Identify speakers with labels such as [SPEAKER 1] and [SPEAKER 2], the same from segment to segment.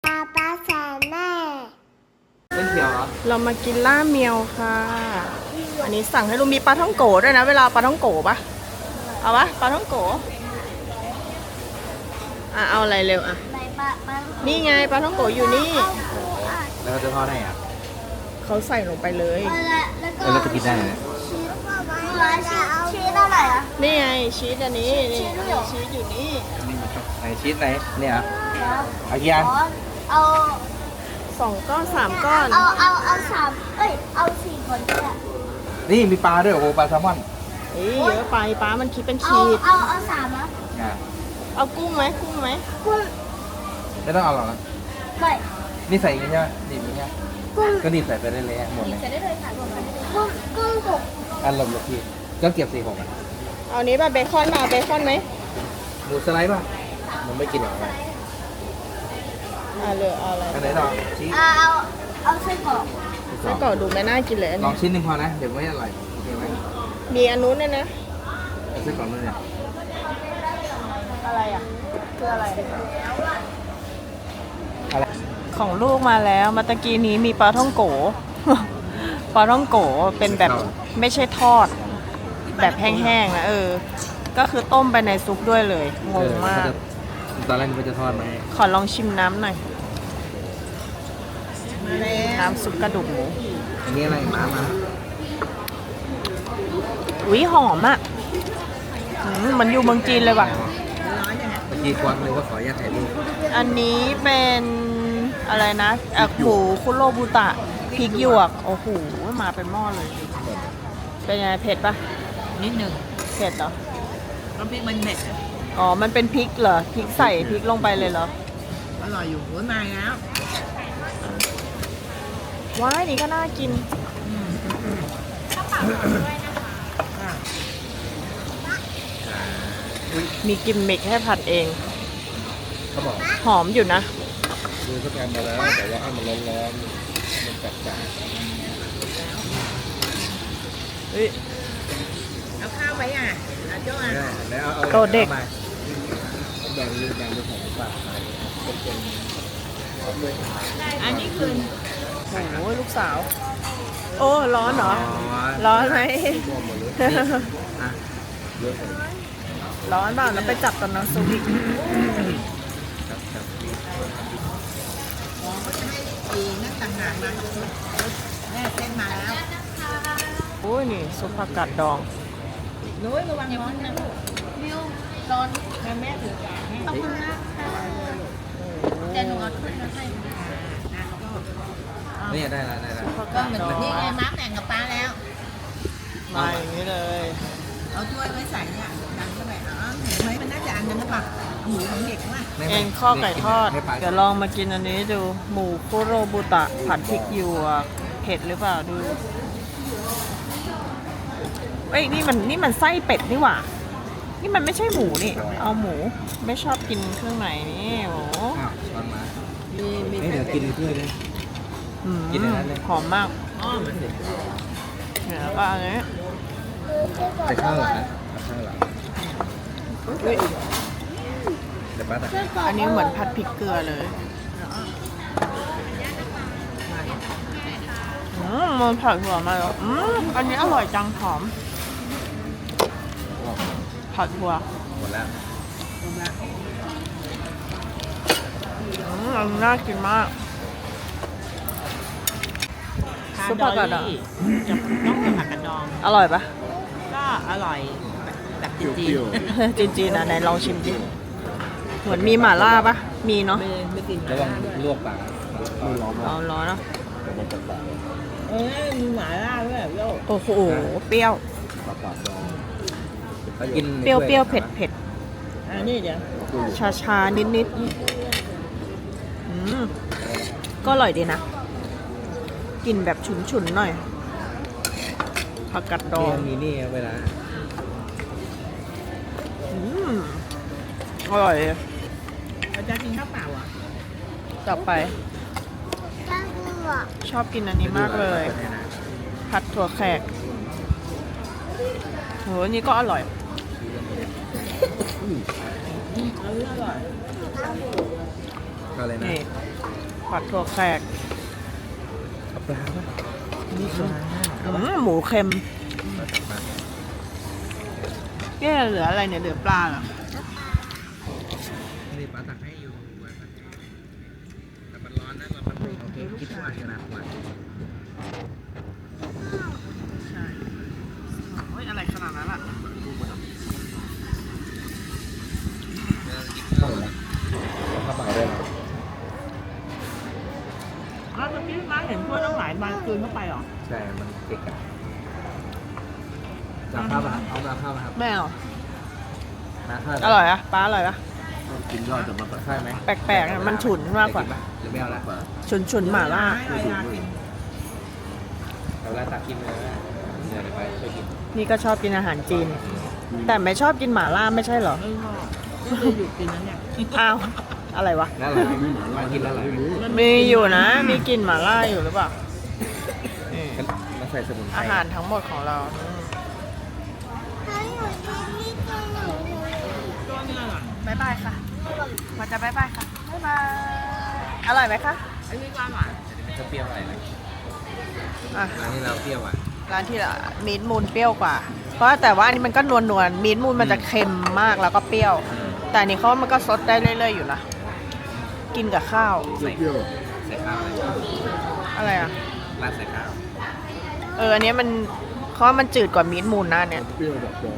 [SPEAKER 1] ป้าแสนแม่
[SPEAKER 2] เป็นเขียวเหรอ
[SPEAKER 3] เรามากินล่าเมียวค่ะ อันนี้สั่งให้ลุงมีปลาท่องโกด้วยนะ เวลาปลาท่องโกปะเอาปะปลาท่องโกเอาอะไรเร็วอ่ะ
[SPEAKER 1] ไปป้า
[SPEAKER 3] นี่ไงปลาท่องโกอยู่นี่
[SPEAKER 2] แล้วจะทอดได้อ่ะ
[SPEAKER 3] เขาใส่ลงไปเลย
[SPEAKER 1] แล้วก็
[SPEAKER 2] แล้วจะกินได้ไหม
[SPEAKER 1] ชีสอะไรอ่ะ
[SPEAKER 3] นี่ไงชีสอันนี้นี่ชีสอยู่นี่
[SPEAKER 2] ไหนชีสไหนเนี่ยเหรอเอากี่อัน
[SPEAKER 1] เอา
[SPEAKER 3] 2 ก้อน 3 ก้อน
[SPEAKER 1] เอาสามเอาสี่คนก็ได้
[SPEAKER 2] นี่มีปลาด้วยโอ้โหปลาแซลมอน
[SPEAKER 3] เฮ้ยเยอะไปป้ามันคิดเป็น
[SPEAKER 1] เอา
[SPEAKER 3] ขีด
[SPEAKER 1] เอาสามนะ
[SPEAKER 2] อ่ะ
[SPEAKER 3] เอากุ้งไหมกุ้งไหม
[SPEAKER 1] กุ้ง
[SPEAKER 2] ไม่ต้องเอาหรอกนะ
[SPEAKER 1] ไม่
[SPEAKER 2] นี่ใส่อย่างนี้ใช่ไหมนี่อย่างนี้
[SPEAKER 1] กุ้ง
[SPEAKER 2] ก็นี่ใส่ไปได้เลยหมดเลย
[SPEAKER 1] กุ้งสุก
[SPEAKER 2] อันหลบหลบพี่ก็เก็บสี่หกอ่ะ
[SPEAKER 3] เอานี้ป่ะเบคอนมาเบคอนไหม
[SPEAKER 2] หมูสไลด์ป่ะมันไม่กินหรอกอะไร
[SPEAKER 3] เหลือเอาอะไร
[SPEAKER 2] อันไหนต่อชีส
[SPEAKER 1] เอาไส้กรอก
[SPEAKER 3] ไส้กรอกดูไม่น่ากินเลยอัน
[SPEAKER 2] ลอ
[SPEAKER 3] นี้
[SPEAKER 2] งชิ้นหนึ่งพอนะเดี๋ยวไม่อร่อยโอเคไหม
[SPEAKER 3] มีอันนู้นด้วยนะ
[SPEAKER 2] เอาไส้กรอกนู่นเนี่ย
[SPEAKER 3] อะไรอ่ะคืออะไร
[SPEAKER 2] อะไร
[SPEAKER 3] ของลูกมาแล้วมาตะกี้นี้มีปลาท่องโก ปลาท่องโกเป็นแบบไม่ใช่ทอด แบบแห้งๆนะก็คือต้มไปในซุปด้วยเลยงงมาก
[SPEAKER 2] ตอนแรกมันจะทอดไหม
[SPEAKER 3] ขอลองชิมน้ำหน่อยน้ำซุปกระดูกหมู
[SPEAKER 2] อันนี้อะไรม้ามา
[SPEAKER 3] อุ้ยหอมอ่ะมันอยู่เมืองจีนเลยว่ะ
[SPEAKER 2] เมื่อกี้ควักเลยว่าขออนุญาตถ่ายรูป
[SPEAKER 3] อันนี้เป็นอะไรนะหมูคุโรบุตะพริกหยวกโอ้โหมาเป็นหม้อเลย เป็นยังไงเผ็ดปะ
[SPEAKER 4] นิดหนึ่ง
[SPEAKER 3] เผ็ดเหรอ
[SPEAKER 4] น้ำพริกมันเม็ดอะ
[SPEAKER 3] อ๋อมันเป็นพริกเหรอพริกใส่พริกลงไปเลยเหรอ
[SPEAKER 4] อร่อยอยู่หัวมาแล้ว
[SPEAKER 3] ว้ายนี่ก็น่ากินมีกิมมิคให้ผัดเอง
[SPEAKER 2] เขาบอก
[SPEAKER 3] หอมอยู่นะ
[SPEAKER 2] คือเขาทำมาแล้วแต่ว่าให้มันร้อนๆมันแปลก
[SPEAKER 3] เฮ้ย
[SPEAKER 4] เอาข้าวไว้อ่ะเอาโจ้
[SPEAKER 2] ๆ
[SPEAKER 4] อ่ะ
[SPEAKER 2] แล้วเอา
[SPEAKER 3] โตเด็ก
[SPEAKER 2] อามาแบ่งยืนแบ่งเป็นของฝากขายเป็นของด้วย
[SPEAKER 4] อันนี้คือ
[SPEAKER 3] โอ้ยลูกสาว โอ้ร้อนเหรอ ร้อนไหม
[SPEAKER 2] รวมหมดเลยนี่อ่ะเยอะเลย
[SPEAKER 3] ร้อนเปล่าแล้วไปจับกับน้ำซุปอีก
[SPEAKER 2] ครับครับ
[SPEAKER 4] ปีนั่นต่างหากมาแม่เส้นมาแล้ว
[SPEAKER 3] โอ้ยนี่ซุปผักกาดดอง
[SPEAKER 4] นุ้ยระวังร้อนนะลูกมิวร้อนแม่ถือกาให้ขอบคุณนะแต่หนูเอาขึ้นมาให้
[SPEAKER 2] นี่ได้แล้วได้แล้ว
[SPEAKER 3] ผัก
[SPEAKER 4] ก็
[SPEAKER 3] กาด
[SPEAKER 4] เหมือน
[SPEAKER 3] ดอง
[SPEAKER 4] นี่ไงม้าแต่งกับป้าแล้ว
[SPEAKER 3] มาอย่างนี้เลย
[SPEAKER 4] เอาถ้วยไว้ใส่เนี่ยดันเข้าไปเห็นไหมมันน่าจะอันนั้นหรือเปล่าหมูของเด็กว่า
[SPEAKER 2] ไม่
[SPEAKER 3] เอ็นข้อไก่ทอด
[SPEAKER 2] ไม่ไป
[SPEAKER 3] เดี๋ยวลองมากินอันนี้ดู หมูคุโรบุตะ ผัดพริกหยวกเผ็ดหรือเปล่าดูเอ้ยนี่มันไส้เป็ดนี่หว่า นี่มันไม่ใช่หมูนี่ เอาหมูไม่ชอบกินเครื่องในนี่โอ้
[SPEAKER 2] อ้าวช้อนมา
[SPEAKER 4] มี
[SPEAKER 2] เดี๋ยวกินด้วยเลย กินในนั้นเลย
[SPEAKER 3] หอมมาก
[SPEAKER 4] อ้อเหมือนเด็ก
[SPEAKER 3] เนี่ยแล้วก็อันนี้
[SPEAKER 2] แต่ข้าวหรอนะข้าวหรอ
[SPEAKER 3] อุ๊ย
[SPEAKER 2] เดี๋ยวป้าตัก
[SPEAKER 3] อันนี้เหมือนผัดพริกเกลือเลยมันผัดหัวมาแล้วอันนี้อร่อยจังหอม ผัดหัว
[SPEAKER 2] หมดแล้ว
[SPEAKER 3] อันนี้น่ากินมาก ซุปผักกาดดอง
[SPEAKER 4] จะต้องเป็นผักกาดดอง
[SPEAKER 3] อร่อยปะ
[SPEAKER 4] ก็อร่อยแบบจีน
[SPEAKER 3] จีนๆนะไหนลองชิมดิเหมือนมีหม่าล่าปะมีเนาะ
[SPEAKER 4] ไม่กิน
[SPEAKER 2] ระวังลวกปากมือร้อน
[SPEAKER 3] เอาร้อนเนาะ
[SPEAKER 2] มันจะแตก
[SPEAKER 4] มีหมาล่าด้วยโยก
[SPEAKER 3] โอ้โหเปรี้ยว
[SPEAKER 2] ปากกิน
[SPEAKER 3] เปรี้ยวเปรี้ยวเผ็ดเผ็ด
[SPEAKER 4] อันนี้เดี๋ยว
[SPEAKER 3] ชาชานิดนิดก็อร่อยดีนะกลิ่นแบบฉุนๆหน่อยผักกาดดอง
[SPEAKER 2] มีนี่เวลา
[SPEAKER 3] อร่อย
[SPEAKER 4] เราจะกินข้าวเปล่าอ่ะ
[SPEAKER 3] ต่อไป
[SPEAKER 1] ข้าวกุ้งอ่ะ
[SPEAKER 3] ชอบกินอันนี้มากเลย ผัดถั่วแขกโหอันนี้ก็อร่อย
[SPEAKER 4] อร่อย
[SPEAKER 2] อะไรนะ
[SPEAKER 3] นี่ผัดถั่วแขก
[SPEAKER 2] เอาปลาป่ะนี่ปลา
[SPEAKER 3] หมูเค็ม
[SPEAKER 2] ปลา
[SPEAKER 3] เนี่ยเหลืออะไรเนี่ยเหลือปลาเหรอ
[SPEAKER 2] นี่ปลาตักให้อยู่แต่มันร้อนนะเรามันโอเคคิดว่าขนาดว่า
[SPEAKER 3] ใช่โอ้ยอะไรขนาดนั้นล่ะ
[SPEAKER 2] เข้าเลยเข้ามาได้
[SPEAKER 3] แล้วเมื่อกี้ร้านเห็นถ้วยต้องหลายใบคืนเข้าไปหรอ
[SPEAKER 2] ใช่มันเก่งอะจะข้าวป่ะเอามาข้าวมาครับ
[SPEAKER 3] ไม่เอา
[SPEAKER 2] มาข้าว
[SPEAKER 3] อร่อยอะปลาอร่อยปะ
[SPEAKER 2] กินยอดแต่มันข้าวไหม
[SPEAKER 3] แปลกๆอะมันฉุนมากกว่า
[SPEAKER 2] หรือไม่เอาละ
[SPEAKER 3] ฉุนหม่าล่า
[SPEAKER 2] เอาละตักกินเลยเดี๋ยวไปช่วยกิน
[SPEAKER 3] นี่ก็ชอบกินอาหารจีน แต่ไม่ชอบกินหม่าล่าไม่ใช่เหรอ
[SPEAKER 4] ไม่เคยอยู่กินนั้นเนี่ย
[SPEAKER 3] อ้าว อะไรวะ
[SPEAKER 2] น่ารักมากินแล้วหรอ
[SPEAKER 3] มีอยู่นะ มีกลิ่นหม่าล่าอยู่หรือเปล่านี่
[SPEAKER 2] มาใส่สมุนไพร
[SPEAKER 3] อาหารทั้งหมดของเรา
[SPEAKER 1] ให้หนูกินนี่ตัวหนู
[SPEAKER 4] ตัวเนี้ยเหรอ
[SPEAKER 3] บ๊ายบายค่ะมาจะบ๊ายบายค่ะ บ๊ายบาย อร่อยไหมคะ
[SPEAKER 4] อันนี้ปลาหวาน
[SPEAKER 2] ถ้าเปรี้ยวอะไรนะ
[SPEAKER 3] อ่ะ
[SPEAKER 2] ร้านนี้เราเปรี้ยวอ่ะ
[SPEAKER 3] ร้านที่ละมีดมูนเปรี้ยวกว่า เพราะแต่ว่าอันนี้มันก็นวลมีดมูนมันจะเค็มมากแล้วก็เปรี้ยว แต่อันนี้เขาว่ามันก็ซดได้เรื่อยๆอยู่นะ กินกับข้าว
[SPEAKER 2] ใส่ใส่ข้าวอะไร
[SPEAKER 3] อะไรอ่ะ
[SPEAKER 2] ราดใส่ข้าว
[SPEAKER 3] อันนี้มันเขาว่ามันจืดกว่ามีดมูนนะเนี่ย
[SPEAKER 2] เปรี้ยวแบบบอ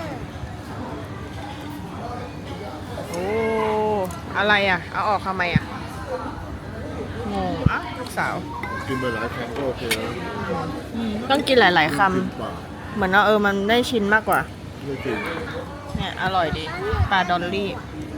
[SPEAKER 3] โอ้ อะไรอ่ะ เอาออกทำไมอ่ะ งงอ่ะลูกสาว
[SPEAKER 2] กินไปหลายครั้งก็โอเคแล้ว
[SPEAKER 3] ต้องกินหลาย ๆค
[SPEAKER 2] ปาก
[SPEAKER 3] ำ เหมือนว่ามันได้ชิ้นมากกว่า
[SPEAKER 2] ไม่จริง
[SPEAKER 3] เนี่ยอร่อยดี ปลาดอลลี่
[SPEAKER 1] ห